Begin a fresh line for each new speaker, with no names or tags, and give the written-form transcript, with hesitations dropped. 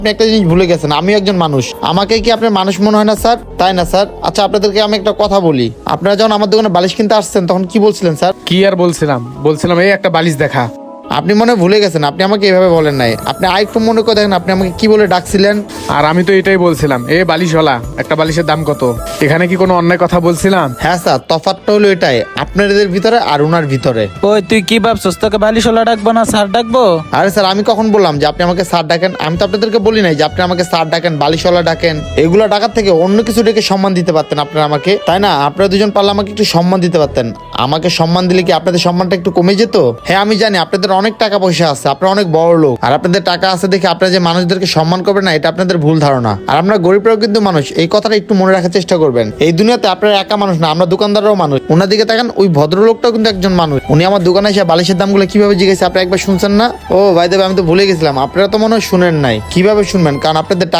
আপনি একটা জিনিস ভুলে গেছেন, আমিও একজন মানুষ। আমাকে কি আপনার মানুষ মনে হয় না স্যার? তাই না স্যার? আচ্ছা, আপনাদেরকে আমি একটা কথা বলি, আপনারা যখন আমার দোকানে বালিশ কিনতে আসছেন তখন কি বলছিলেন স্যার?
কি আর বলছিলাম এই একটা বালিশ দেখা।
আপনি মনে হয় ভুলে গেছেন, আপনি আমাকে এভাবে বলেন নাই। আপনি আরেকটু মনে করে দেখেন, আপনি আমাকে কি বলে ডাকছিলেন?
আর আমি তো এটাই বলছিলাম, এ বালিশওয়ালা একটা বালিশের দাম কত? এখানে কি কোনো অন্যায় কথা বলছিলাম?
হ্যাঁ স্যার, তফাৎটা হলো এটাই, আপনাদের ভিতরে আর ওনার ভিতরে।
ওই তুই কি ভাবছস তোকে বালিশওয়ালা ডাকবো না স্যার ডাকবো?
আরে স্যার, আমি কখন বললাম যে আপনি আমাকে স্যার ডাকেন? আমি তো আপনাদেরকে বলি নাই যে আপনি আমাকে স্যার ডাকেন, বালিশওয়ালা ডাকেন। এগুলো ডাকার থেকে অন্য কিছু ডেকে সম্মান দিতে পারতেন আপনারা আমাকে, তাই না? আপনারা দুজন পারলে আমাকে একটু সম্মান দিতে পারতেন। আমাকে সম্মান দিলে কি আপনাদের সম্মানটা একটু কমে যেত? হ্যাঁ আমি জানি আপনাদের অনেক টাকা পয়সা আছে, আপনারা অনেক বড় লোক, আর আপনাদের টাকা আছে দেখে আপনারা যে মানুষদেরকে সম্মান করবেন না, এটা আপনাদের ভুল ধারণা। আর আমরা গরিবরাও কিন্তু মানুষ, এই কথাটা একটু মনে রাখার চেষ্টা করবেন। এই দুনিয়াতে আপনারা একা মানুষ না, আমরা দোকানদাররাও মানুষ। ওনার দিকে তাকান, ওই ভদ্রলোকটাও কিন্তু একজন মানুষ। উনি আমার দোকানে এসে বালিশের দামগুলো কিভাবে জিজ্ঞেস, আপনি একবার শুনছেন না? ও ভাই দেব, আমি তো ভুলে গেছিলাম, আপনারা তো মনে হয় শুনেন নাই। কিভাবে শুনবেন? কারণ আপনাদের